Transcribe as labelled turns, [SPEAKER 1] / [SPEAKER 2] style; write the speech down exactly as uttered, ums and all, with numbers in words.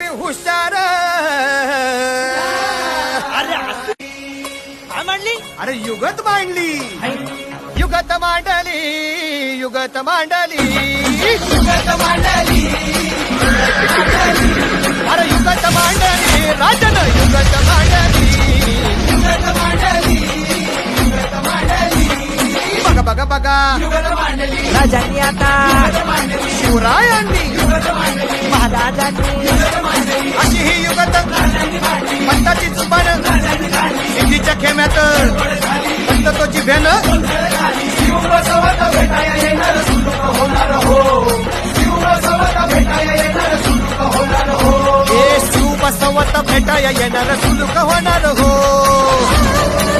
[SPEAKER 1] हुशार.
[SPEAKER 2] अरे असं काय म्हणली?
[SPEAKER 1] अरे युगत मांडली, युगत मांडली, युगत मांडली, युगत मांडली. अरे युगत मांडली राजन, युगत मांडली, युगत मांडली, युगत मांडली. बघा बघा बघा
[SPEAKER 3] राजांनी आता
[SPEAKER 1] शिवरायांनी
[SPEAKER 3] महाराजांनी
[SPEAKER 1] अशी ही युगत पंताची जुबान सिद्धीच्या खेम्यात पंत तो जिभ्यान ए शिव बसवत भेटाया येणार सुलूक होणार हो.